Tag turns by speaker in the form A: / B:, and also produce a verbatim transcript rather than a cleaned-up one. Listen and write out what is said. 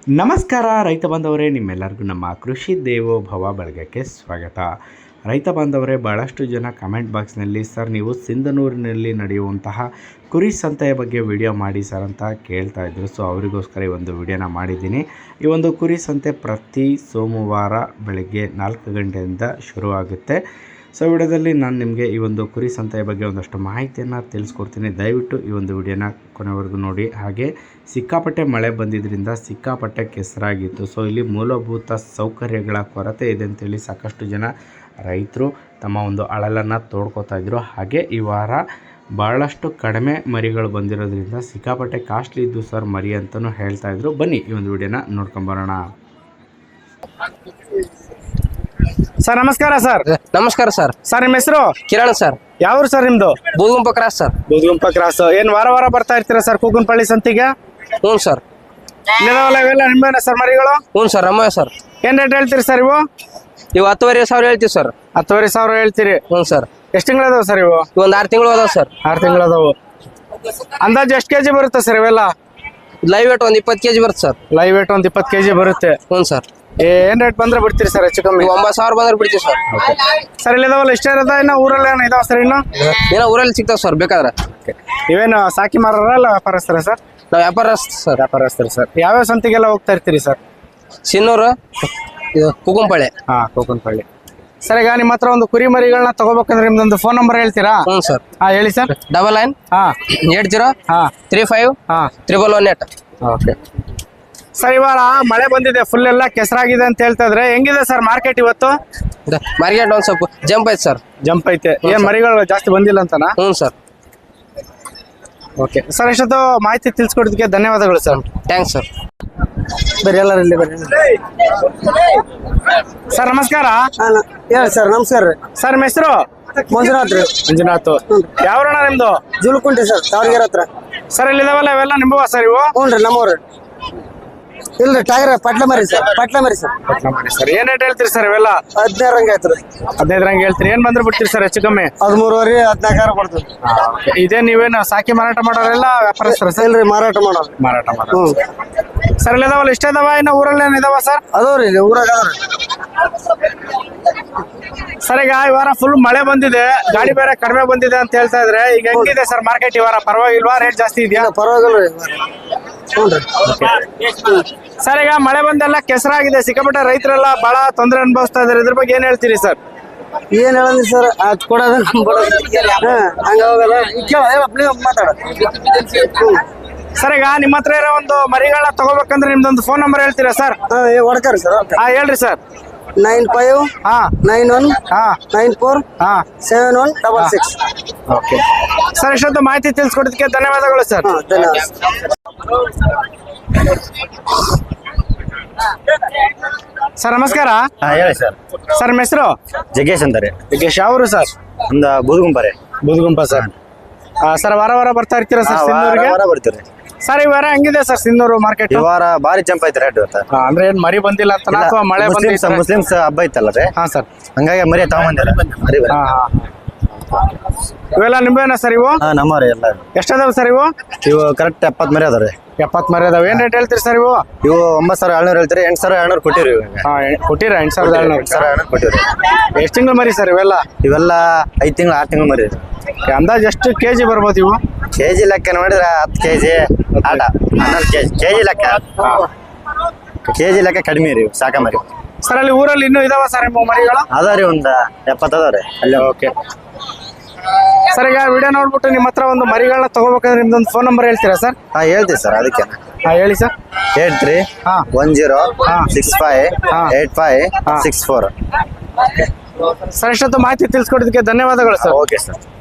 A: ನಮಸ್ಕಾರ ರೈತ ಬಾಂಧವರೇ, ನಿಮ್ಮೆಲ್ಲರಿಗೂ ನಮ್ಮ ಕೃಷಿ ದೇವೋಭವ ಬಳಗಕ್ಕೆ ಸ್ವಾಗತ. ರೈತ ಬಾಂಧವರೇ, ಭಾಳಷ್ಟು ಜನ ಕಮೆಂಟ್ ಬಾಕ್ಸ್ನಲ್ಲಿ ಸರ್ ನೀವು ಸಿಂಧನೂರಿನಲ್ಲಿ ನಡೆಯುವಂತಹ ಕುರಿ ಸಂತೆಯ ಬಗ್ಗೆ ವಿಡಿಯೋ ಮಾಡಿ ಸರ್ ಅಂತ ಕೇಳ್ತಾ ಇದ್ರು. ಸೊ ಅವರಿಗೋಸ್ಕರ ಈ ಒಂದು ವಿಡಿಯೋನ ಮಾಡಿದ್ದೀನಿ. ಈ ಒಂದು ಕುರಿ ಸಂತೆ ಪ್ರತಿ ಸೋಮವಾರ ಬೆಳಗ್ಗೆ ನಾಲ್ಕು ಗಂಟೆಯಿಂದ ಶುರುವಾಗುತ್ತೆ. ಸೊ ವಿಡಿಯೋದಲ್ಲಿ ನಾನು ನಿಮಗೆ ಈ ಒಂದು ಕುರಿ ಸಂತೆಯ ಬಗ್ಗೆ ಒಂದಷ್ಟು ಮಾಹಿತಿಯನ್ನು ತಿಳಿಸ್ಕೊಡ್ತೀನಿ. ದಯವಿಟ್ಟು ಈ ಒಂದು ವಿಡಿಯೋನ ಕೊನೆವರೆಗೂ ನೋಡಿ. ಹಾಗೆ ಸಿಕ್ಕಾಪಟ್ಟೆ ಮಳೆ ಬಂದಿದ್ದರಿಂದ ಸಿಕ್ಕಾಪಟ್ಟೆ ಕೆಸರಾಗಿತ್ತು. ಸೊ ಇಲ್ಲಿ ಮೂಲಭೂತ ಸೌಕರ್ಯಗಳ ಕೊರತೆ ಇದೆ ಅಂತೇಳಿ ಸಾಕಷ್ಟು ಜನ ರೈತರು ತಮ್ಮ ಒಂದು ಅಳಲನ್ನು ತೋಡ್ಕೋತಾ ಇದ್ರು. ಹಾಗೆ ಈ ವಾರ ಭಾಳಷ್ಟು ಕಡಿಮೆ ಮರಿಗಳು ಬಂದಿರೋದ್ರಿಂದ ಸಿಕ್ಕಾಪಟ್ಟೆ ಕಾಸ್ಟ್ಲಿ ಇದ್ದು ಸರ್ ಮರಿ ಅಂತಲೂ ಹೇಳ್ತಾ ಇದ್ರು. ಬನ್ನಿ ಈ ಒಂದು ವಿಡಿಯೋನ ನೋಡ್ಕೊಂಬರೋಣ.
B: ಸರ್ ನಮಸ್ಕಾರ. ಸರ್
C: ನಮಸ್ಕಾರ ಸರ್.
B: ಸರ್ ನಿಮ್ಮ ಹೆಸರು?
C: ಕಿರಣ್ ಸರ್.
B: ಯಾವ ಸರ್ ನಿಮ್ದು?
C: Budugumpa cross sir.
B: Budugumpa cross. ಏನ್ ವಾರ ವಾರ ಬರ್ತಾ ಇರ್ತೀರಾ ಸರ್ ಕೂಗನಪಳ್ಳಿ ಸಂತಿಗೆ?
C: ಹ್ಞೂ ಸರ್.
B: ಇವೆಲ್ಲ ನಿಂಬೆನ ಸರ್ ಮರಿಗಳು?
C: ಹ್ಞೂ ಸರ್, ನಮ್ಮವೇ ಸರ್.
B: ಏನ್ ರೇಟ್ ಹೇಳ್ತೀರಿ ಸರ್ ಇವು?
C: ಇವು ಹತ್ತುವರೆ ಸಾವಿರ ಹೇಳ್ತೀವಿ ಸರ್.
B: ಹತ್ತುವರೆ ಸಾವಿರ ಹೇಳ್ತೀರಿ?
C: ಹ್ಞೂ ಸರ್.
B: ಎಷ್ಟು ತಿಂಗಳು ಅದಾವ ಸರ್ ಇವು?
C: ಒಂದು ಆರು ತಿಂಗಳು ಅದಾವ ಸರ್.
B: ಆರು ತಿಂಗಳು ಅದಾವು. ಅಂದಾಜು ಎಷ್ಟು ಕೆಜಿ ಬರುತ್ತೆ ಸರ್ ಇವೆಲ್ಲ?
C: ಲೈವ್ ವೇಟ್ ಒಂದು ಇಪ್ಪತ್ತು ಕೆಜಿ ಬರುತ್ತೆ ಸರ್.
B: ಲೈವ್ ವೇಟ್ ಒಂದು ಇಪ್ಪತ್ತು ಕೆಜಿ ಬರುತ್ತೆ.
C: ಹ್ಞೂ ಸರ್.
B: ಏನ್ ರೇಟ್ ಬಂದ್ರೆ ಬಿಡ್ತೀರಿ ಸರ್ ಹೆಚ್ಚು ಕಮ್ಮಿ?
C: ಒಂಬತ್ತು ಸಾವಿರ ಬಂದ್ರೆ ಬಿಡ್ತೀವಿ ಸರ್.
B: ಸರ್ ಇಲ್ಲಿ ಇದಾವಲ್ಲ ಇಷ್ಟ ಇರೋದ? ಇನ್ನ ಊರಲ್ಲಿ ಏನೋ ಇದಾವ ಸರ್? ಇನ್ನು
C: ಏನೋ ಊರಲ್ಲಿ ಸಿಗ್ತಾವ ಸರ್ ಬೇಕಾದ್ರೆ.
B: ಇವೇನು ಸಾಕಿ ಮಾರಾರ ಅಲ್ಲ ವ್ಯಾಪಾರಸ್ಥರ ಸರ್?
C: ನಾವು ವ್ಯಾಪಾರ ಸರ್.
B: ವ್ಯಾಪಾರಸ್ಥರು ಸರ್. ಯಾವ್ಯಾವ ಸಂತಿಗೆಲ್ಲ ಹೋಗ್ತಾ ಇರ್ತೀರಿ ಸರ್?
C: ಸಿನ್ನೂರು, ಇದು ಕುಗುಂಪಳ್ಳಿ.
B: ಹಾ, ಕೂಕನಪಳ್ಳಿ. ಸರ್ ಈಗ ನಿಮ್ಮ ಹತ್ರ ಒಂದು ಕುರಿ ಮರಿಗಳನ್ನ ತಗೋಬೇಕಂದ್ರೆ ನಿಮ್ದೊಂದು ಫೋನ್ ನಂಬರ್ ಹೇಳ್ತೀರಾ?
C: ಹ್ಞೂ ಸರ್.
B: ಹಾ ಹೇಳಿ ಸರ್.
C: ಡಬಲ್ ನೈನ್
B: ಹಾ
C: ಏಟ್ ಜೀರೋ
B: ಹಾ
C: ತ್ರೀ ಫೈವ್
B: ಹಾ
C: triple one eight.
B: Okay sir, ಇವಾಗ ಮಳೆ ಬಂದಿದೆ, ಫುಲ್ ಎಲ್ಲ ಕೆಸರಾಗಿದೆ ಅಂತ ಹೇಳ್ತಾ ಇದ್ರೆ ಹೆಂಗಿದೆ ಸರ್ ಮಾರ್ಕೆಟ್ ಇವತ್ತು?
C: ಮಾರ್ಕೆಟ್ ಒಂದು ಸ್ವಲ್ಪ ಜಂಪ್ ಐತೆ ಸರ್.
B: ಜಂಪ್ ಐತೆ. ಏನ್ ಮರಿಗಳು ಜಾಸ್ತಿ ಬಂದಿಲ್ಲ ಅಂತನಾ?
C: ಹ್ಞೂ ಸರ್.
B: ಓಕೆ ಸರ್, ಇಷ್ಟೊತ್ತು ಮಾಹಿತಿ ತಿಳಿಸ್ಕೊಡೋದಕ್ಕೆ ಧನ್ಯವಾದಗಳು ಸರ್.
C: Thanks sir.
B: ಬರೀ ಎಲ್ಲರೂ ಇಲ್ಲಿ ಬರ್ರಿ ಸರ್. ನಮಸ್ಕಾರ.
D: ಹೇಳಿ ಸರ್. ನಮಸ್ಕಾರ ರೀ.
B: ಸರ್ ನಿಮ್ಮ ಹೆಸರು?
D: ಮಂಜುನಾಥ್ ರೀ.
B: ಮಂಜುನಾಥ್. ಯಾವ ಅಣ್ಣ ನಿಮ್ದು?
D: ಜುಲ್ಕುಂಟಿ ಸರ್, ತಾವರ್ಗೆರೆ ಹತ್ರ.
B: ಸರ್ ಇಲ್ಲಿ ಇದಾವಲ್ಲ ಇವೆಲ್ಲ ನಿಂಬುವ ಸರ್ ಇವು?
D: ಹ್ಞೂ ರೀ, ನಮ್ಮವ್ರಿ. ಇಲ್ರಿ ಟೈಗರ್ ಪಟ್ಲ ಮರಿ ಸರ್. ಪಟ್ಲ ಮರಿ ಸರ್.
B: ಸರ್ ಏನ್ ರೇಟ್ ಹೇಳ್ತೀರಿ ಸರ್ ಇವೆಲ್ಲ?
D: ಹದಿನೈದು ರಂಗ ಆಯ್ತು ರೀ.
B: ಹದಿನೈದು ರಂಗ ಹೇಳ್ತೀರಿ. ಏನ್ ಬಂದ್ರೆ ಬಿಡ್ತೀರಿ ಸರ್ ಹೆಚ್ಚು ಕಮ್ಮಿ?
D: ಹದಿಮೂರುವರೆ ಹದಿನಾಲ್ಕಾರು ಕೊಡ್ತೀವಿ.
B: ಇದೇ ನೀವೇನು ಸಾಕಿ ಮಾರಾಟ ಮಾಡೋರೆಲ್ಲ ವ್ಯಾಪಾರಸ್ಥರ ಸರ್?
D: ಇಲ್ರಿ, ಮಾರಾಟ ಮಾಡೋದು.
B: ಮಾರಾಟ ಮಾಡೋದು. ಸರ್ ಇಲ್ಲಿ ಇದಾವಲ್ಲ ಇಷ್ಟ ಇದಾವ? ಇನ್ನು ಊರಲ್ಲಿ ಏನ್ ಇದಾವ ಸರ್?
D: ಅದಾವ್ರಿ, ಇಲ್ಲಿ ಊರಾಗ ಅದಾವ್ರಿ.
B: ಸರ್ ಈಗ ಈ ವಾರ ಫುಲ್ ಮಳೆ ಬಂದಿದೆ, ಗಾಡಿ ಬೇರೆ ಕಡಿಮೆ ಬಂದಿದೆ ಅಂತ ಹೇಳ್ತಾ ಇದ್ರೆ ಈಗ ಹೆಂಗಿದೆ ಸರ್ ಮಾರ್ಕೆಟ್ ಈ ವಾರ? ಪರವಾಗಿಲ್ವಾ? ರೇಟ್ ಜಾಸ್ತಿ ಇದೆಯಾ?
D: ಪರವಾಗಿಲ್ರಿ. ಹ್ಞೂ ರೀ.
B: ಸರ್ ಈಗ ಮಳೆ ಬಂದೆಲ್ಲ ಕೆಸರಾಗಿದೆ, ಸಿಕ್ಕಾಪಟ್ಟೆ ರೈತರೆಲ್ಲ ಬಹಳ ತೊಂದರೆ ಅನುಭವಿಸ್ತಾ ಇದಾರೆ. ಇದ್ರ ಬಗ್ಗೆ ಏನ್ ಹೇಳ್ತೀರಿ ಸರ್?
D: ಏನ್ ಹೇಳಂದ್ರಿ ಸರ್? ಅದ್ ಕೊಡೋದು ಹಾ ಹಂಗ ಹೋಗಲ್ಲ. ಕೇಳ ಮಾತಾಡ.
B: ಸರ್ ಈಗ ನಿಮ್ಮ ಹತ್ರ ಇರೋ ಒಂದು ಮರಿಗಳನ್ನ ತಗೋಬೇಕಂದ್ರೆ ನಿಮ್ದೊಂದು ಫೋನ್ ನಂಬರ್ ಹೇಳ್ತೀರಾ ಸರ್?
D: ಹಾ ಹೊಡ್ಕರಿ ಸರ್.
B: ಹಾ ಹೇಳ್ರಿ ಸರ್.
D: ನೈನ್ ಫೈವ್
B: ಹಾ
D: ನೈನ್ ಒನ್
B: ಹಾ
D: ನೈನ್ ಫೋರ್
B: ಹಾ
D: seven one double six.
B: Okay sir, ಇಷ್ಟೊಂದು ಮಾಹಿತಿ ತಿಳಿಸ್ಕೊಡೋದಕ್ಕೆ ಧನ್ಯವಾದಗಳು ಸರ್.
D: ಹಾ ಧನ್ಯವಾದ.
B: ಸರ್ ನಮಸ್ಕಾರ.
E: ಹಾ ಹೇಳಿ ಸರ್.
B: ಸರ್ ನಿಮ್ಮ ಹೆಸರು?
E: ಜಗ್ಗೇಶ್ ಅಂತಾರೆ.
B: ಜಗ್ಗೇಶ್. ಯಾವರು ಸರ್?
E: ಒಂದ ಬೂದುಗುಂಪರೆ.
B: ಬೂದುಗುಂಪ ಸರ್. ಸರ್ ವಾರ ವಾರ ಬರ್ತಾ ಇರ್ತೀರಾ ಸರ್ ಸಿಂಧೂರಿಗೆ?
E: ಬರ್ತೀರಿ
B: ಸರ್ ಈ ವಾರ ಹೆಂಗಿದೆ ಸರ್ ಸಿಂಧೂರು ಮಾರ್ಕೆಟ್?
E: ಈ ವಾರ ಬಾರಿ ಜಂಪ್ ಐತೆ ರೇಟ್ ಇವತ್ತು.
B: ಅಂದ್ರೆ ಏನ್ ಮರಿ ಬಂದಿಲ್ಲ ಅಂತ ಅಥವಾ ಮಳೆ ಬಂದಿಲ್ಲ?
E: ಮುಸ್ಲಿಮ್ಸ್ ಹಬ್ಬ ಐತಲ್ಲ ರೀ.
B: ಹಾ ಸರ್.
E: ಹಂಗಾಗಿ ಮರಿ ತಗೊಂಬಂದಿರ ಮರಿ.
B: ಹಾ ಇವೆಲ್ಲ ನಿಂಬೆನ ಸರ್ ಇವು?
E: ಹಾ ನಮ್ಮರಿ ಎಲ್ಲ.
B: ಎಷ್ಟದಾವ ಸರ್ ಇವು?
E: ಇವು ಕರೆಕ್ಟ್ ಎಪ್ಪತ್ ಮರಿ ಅದಾವ್ರಿ.
B: ಎಪ್ಪತ್ ಮರಿ ಅದಾವ. ಏನ್ ರೇಟ್ ಹೇಳ್ತೀರಿ ಸರ್ ಇವು?
E: ಇವು ಒಂಬತ್ತು ಸಾವಿರ ಏಳ್ನೂರು ಹೇಳ್ತೀರಿ. ಎಂಟು ಸಾವಿರ ಏಳ್ನೂರು ಕೊಟ್ಟಿರಿ.
B: ಹಾ ಕೊಟ್ಟಿರ? ಎಂಟು ಸಾವಿರದ ಏಳ್ನೂರು.
E: ಎಂಟು ಸಾವಿರ ಏಳ್ನೂರು ಕೊಟ್ಟಿರಿ.
B: ಎಷ್ಟು ತಿಂಗಳು ಮರಿ ಸರ್ ಇವೆಲ್ಲ?
E: ಇವೆಲ್ಲ ಐದು ತಿಂಗಳು ಆರು ತಿಂಗಳು ಮರಿ.
B: ಅಂದಾಜ್ ಎಷ್ಟು ಕೆಜಿ ಬರ್ಬೋದು ಇವು?
E: ಕೆಜಿ ಲೆಕ್ಕ ನೋಡಿದ್ರೆ ಹತ್ತು ಕೆಜಿ ಆಟ ಹನ್ನೊಂದು ಕೆಜಿ ಕೆಜಿ ಲೆಕ್ಕ. ಕೆಜಿ ಲೆಕ್ಕ ಕಡಿಮೆ ರೀ ಸಾಕ ಮರಿ.
B: ಸರ್ ಅಲ್ಲಿ ಊರಲ್ಲಿ ಇನ್ನೂ ಇದಾವ ಸರ್ ನಿಮ್ಮ ಮರಿಗಳು?
E: ಅದಾವ್ರಿ ಒಂದ್ ಎಪ್ಪತ್ತು ಅದಾವ್ರಿ ಅಲ್ಲಿ.
B: ಓಕೆ ಸರ್, ಈಗ ವಿಡಿಯೋ ನೋಡ್ಬಿಟ್ಟು ನಿಮ್ಮ ಹತ್ರ ಒಂದು ಮರಿಗಳನ್ನ ತಗೋಬೇಕಂದ್ರೆ ನಿಮ್ದೊಂದು ಫೋನ್ ನಂಬರ್ ಹೇಳ್ತೀರಾ ಸರ್?
E: ಹಾ ಹೇಳ್ತೀವಿ ಸರ್. ಅದಕ್ಕೆ
B: ಹಾ ಹೇಳಿ ಸರ್.
E: ಏಟ್ ತ್ರೀ
B: ಹಾ
E: ಒನ್ ಜೀರೋ
B: ಹಾ
E: ಸಿಕ್ಸ್ ಫೈವ್
B: ಹಾ
E: ಏಟ್ ಫೈವ್
B: ಹಾ
E: ಸಿಕ್ಸ್ ಫೋರ್.
B: ಸರ್ ಇಷ್ಟೊತ್ತು ಮಾಹಿತಿ ತಿಳಿಸ್ಕೊಡೋದಕ್ಕೆ ಧನ್ಯವಾದಗಳು ಸರ್.
E: Okay sir.